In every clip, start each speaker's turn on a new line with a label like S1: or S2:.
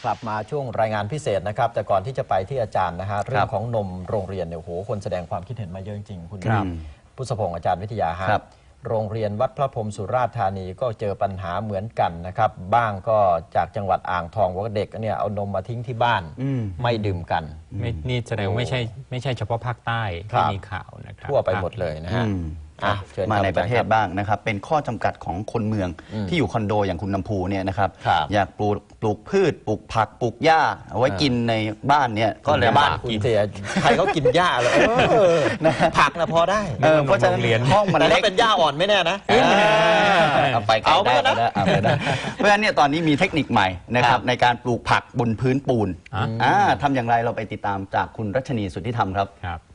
S1: กลับมาช่วงรายงานพิเศษนะครับแต่ก่อนที่จะไปที่อาจารย์นะฮะเรื่องของนมโรงเรียนเนี่ยโหคนแสดงความคิดเห็นมาเยอะจริงๆคุณพุทธพงศ์อาจารย์วิทยาครับโรงเรียนวัดพระพรหมสุราษฎร์ธานีก็เจอปัญหาเหมือนกันนะครับบ้างก็จากจังหวัดอ่างทองว่าเด็กเนี่ยเอานมมาทิ้งที่บ้านไม่ดื่มกัน
S2: นี่แสดงว่าไม่ใช่เฉพาะภาคใต้ที่มีข่าวนะครับ
S1: ทั่วไปหมดเลยนะฮะ
S3: มาในประเทศบ้างนะครับเป็นข้อจำกัดของคนเมืองที่อยู่คอนโดอย่างคุณน้ำพูเนี่ยนะครับอยากปลูกพืชปลูกผักปลูกหญ้าเอาไว้กินในบ้านเนี่ยก็เลยบ้าน
S1: คุณเสียใครเขากินหญ้าเลยผักนะพอได้
S3: เพราะฉะนั้นห้องมันเล็ก
S1: เป็นหญ้าอ่อนไม่แน่นะ
S3: เอาไปไกลได้นะเพราะฉะนั้นเนี่ยตอนนี้มีเทคนิคใหม่นะครับในการปลูกผักบนพื้นปูนทำอย่างไรเราไปติดตามจากคุณรัชนีสุทธิธรรมครับ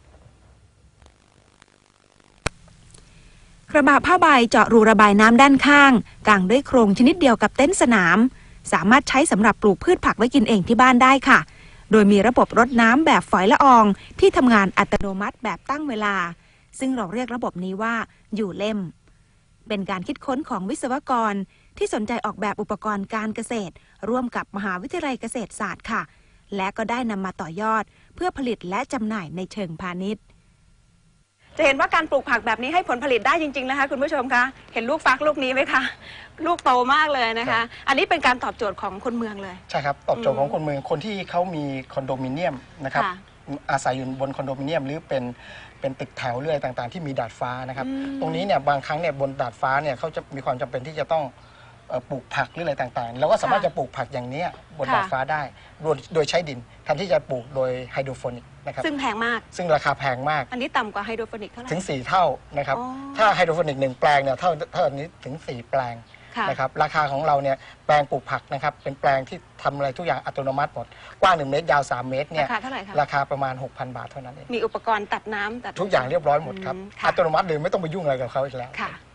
S4: กระบะผ้าใบเจาะรูระบายน้ำด้านข้างกางด้วยโครงชนิดเดียวกับเต็นท์สนามสามารถใช้สำหรับปลูกพืชผักไว้กินเองที่บ้านได้ค่ะโดยมีระบบรดน้ำแบบฝอยละอองที่ทำงานอัตโนมัติแบบตั้งเวลาซึ่งเราเรียกระบบนี้ว่าอยู่เล่มเป็นการคิดค้นของวิศวกรที่สนใจออกแบบอุปกรณ์การเกษตรร่วมกับมหาวิทยาลัยเกษตรศาสตร์ค่ะและก็ได้นำมาต่อยอดเพื่อผลิตและจำหน่ายในเชิงพาณิชย์จะเห็นว่าการปลูกผักแบบนี้ให้ผลผลิตได้จริงๆนะคะคุณผู้ชมคะเห็นลูกฟักลูกนี้ไหมคะลูกโตมากเลยนะคะอันนี้เป็นการตอบโจทย์ของคนเมืองเลย
S5: ใช่ครับตอบโจทย์ของคนเมืองคนที่เขามีคอนโดมิเนียมนะครับอาศัยอยู่บนคอนโดมิเนียมหรือเป็นตึกแถวเรื่อยต่างๆที่มีดาดฟ้านะครับตรงนี้เนี่ยบางครั้งเนี่ยบนดาดฟ้าเนี่ยเขาจะมีความจำเป็นที่จะต้องปลูกผักหรืออะไรต่างๆแล้วก็สามารถจะปลูกผักอย่างนี้บนดาดฟ้าได้โดยใช้ดินแทนที่จะปลูกโดยไฮโดรโปนิกนะครับ
S4: ซึ่งแพงมาก
S5: ซึ่งราคาแพงมาก
S4: อันนี้ต่ำกว่าไฮโดรโปนิกเท่าไหร่
S5: ถึง4เท่านะครับถ้าไฮโดรโปนิก1แปลงเนี่ยเท่านี้ถึง4แปลงนะครับราคาของเราเนี่ยแปลงปลูกผักนะครับเป็นแปลงที่ทำอะไรทุกอย่างอัตโนมัติหมดกว้าง1 เมตรยาว3 เมตรเนี่ยราคาประมาณ 6,000 บาทเท่านั้นเอง
S4: มีอุปกรณ์ตัดน้ำ
S5: ทุกอย่างเรียบร้อยหมดครับอัตโนมัติเลยไม่ต้องไปยุ่งอะไรกับเขาอีกแล้ว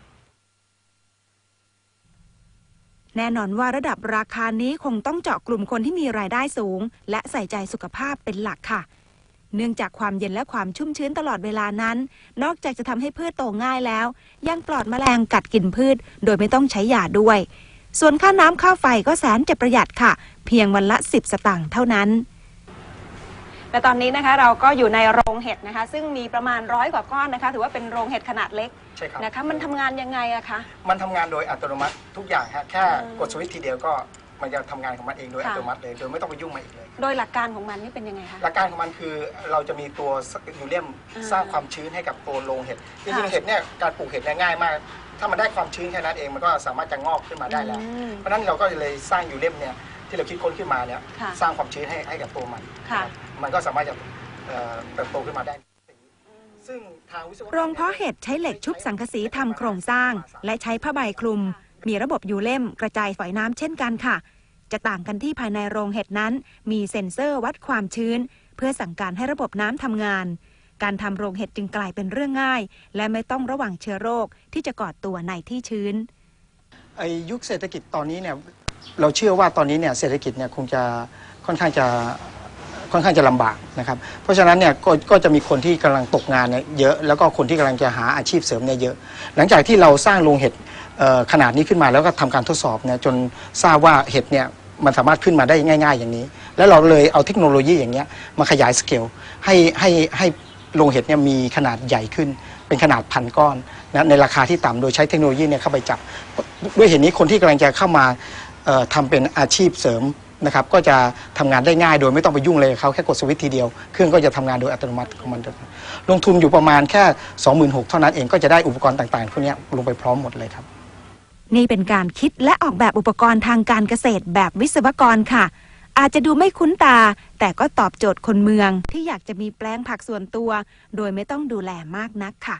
S4: แน่นอนว่าระดับราคานี้คงต้องเจาะกลุ่มคนที่มีรายได้สูงและใส่ใจสุขภาพเป็นหลักค่ะเนื่องจากความเย็นและความชุ่มชื้นตลอดเวลานั้นนอกจากจะทำให้พืชโตง่ายแล้วยังปลอดแมลงกัดกินพืชโดยไม่ต้องใช้ยาด้วยส่วนค่าน้ำค่าไฟก็แสนจะประหยัดค่ะเพียงวันละ10 สตางค์เท่านั้นและตอนนี้นะคะเราก็อยู่ในโรงเห็ดนะคะซึ่งมีประมาณ100 กว่าก้อนนะคะถือว่าเป็นโรงเห็ดขนาดเล็ก
S5: ใช่ครับ
S4: นะคะมันทำงานยังไงอะคะ
S5: มันทำงานโดยอัตโนมัติทุกอย่างฮะแค่กดสวิตช์ทีเดียวก็มันจะทำงานของมันเองโดยอัตโนมัติเลยโดยไม่ต้องไปยุ่งมันอีกเลย
S4: โดยหลักการของมันนี่เป็นยังไงคะ
S5: หลักการของมันคือเราจะมีตัวยูเรียมสร้างความชื้นให้กับตัวโรงเห็ดจริงๆเห็ดเนี่ยการปลูกเห็ดเนี่ยง่ายมากถ้ามันได้ความชื้นแค่นั้นเองมันก็สามารถจะงอกขึ้นมาได้แล้วเพราะนั้นเราก็เลยสร้างยูเรียมเนี่ยที่เราคิดค้นขึ้นมาเนี่ยสร้างความชื้นให้กับตัวมันก็สามารถจะเติบโตขึ้นมาได้ซึ่งทางวิศวกร
S4: โรงเพาะเห็ดใช้เหล็กชุบสังกะสีทำโครงสร้างและใช้ผ้าใบคลุมมีระบบยูเล่มกระจายฝอยน้ำเช่นกันค่ะจะต่างกันที่ภายในโรงเห็ดนั้นมีเซ็นเซอร์วัดความชื้นเพื่อสั่งการให้ระบบน้ำทำงานการทำโรงเห็ดจึงกลายเป็นเรื่องง่ายและไม่ต้องระวังเชื้อโรคที่จะก่อตัวในที่ชื้น
S5: ยุคเศรษฐกิจตอนนี้เนี่ยเราเชื่อว่าตอนนี้เนี่ยเศรษฐกิจเนี่ยคงจะค่อนข้างจะลำบากนะครับเพราะฉะนั้นเนี่ยก็จะมีคนที่กำลังตกงานเนี่ยเยอะแล้วก็คนที่กำลังจะหาอาชีพเสริมเนี่ยเยอะหลังจากที่เราสร้างโรงเห็ดขนาดนี้ขึ้นมาแล้วก็ทำการทดสอบเนี่ยจนทราบว่าเห็ดเนี่ยมันสามารถขึ้นมาได้ง่ายๆอย่างนี้แล้วเราเลยเอาเทคโนโลยีอย่างเงี้ยมาขยายสเกลให้โรงเห็ดเนี่ยมีขนาดใหญ่ขึ้นเป็นขนาด1,000 ก้อนนะในราคาที่ต่ำโดยใช้เทคโนโลยีเนี่ยเข้าไปจับด้วยเหตุนี้คนที่กำลังจะเข้ามาทำเป็นอาชีพเสริมนะครับก็จะทำงานได้ง่ายโดยไม่ต้องไปยุ่งเลยเขาแค่กดสวิตช์ทีเดียวเครื่องก็จะทำงานโดยอัตโนมัติของมันลงทุนอยู่ประมาณแค่ 26,000 เท่านั้นเองก็จะได้อุปกรณ์ต่างๆพวกนี้ลงไปพร้อมหมดเลยครับ
S4: นี่เป็นการคิดและออกแบบอุปกรณ์ทางการเกษตรแบบวิศวกรค่ะอาจจะดูไม่คุ้นตาแต่ก็ตอบโจทย์คนเมืองที่อยากจะมีแปลงผักส่วนตัวโดยไม่ต้องดูแลมากนักค่ะ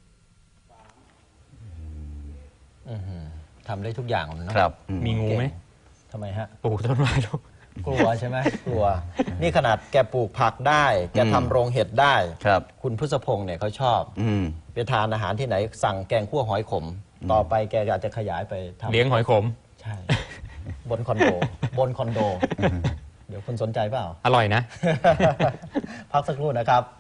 S1: ทำได้ทุกอย่างนะครับ
S2: มีงูไหม
S1: ทำไมฮะ
S2: ปลูกต้นไม้ลูก
S1: กลัวใช่ไหมกลัวนี่ขนาดแกปลูกผักได้แกทำโรงเห็ดได้คุณพุทธพงศ์เนี่ยเขาชอบไปทานอาหารที่ไหนสั่งแกงคั่วหอยขมต่อไปแกอาจจะขยายไปทำ
S2: เลี้ยงหอยขม
S1: ใช่บนคอนโดเดี๋ยวคุณสนใจเปล่า
S2: อร่อยนะ
S1: พักสักครู่นะครับ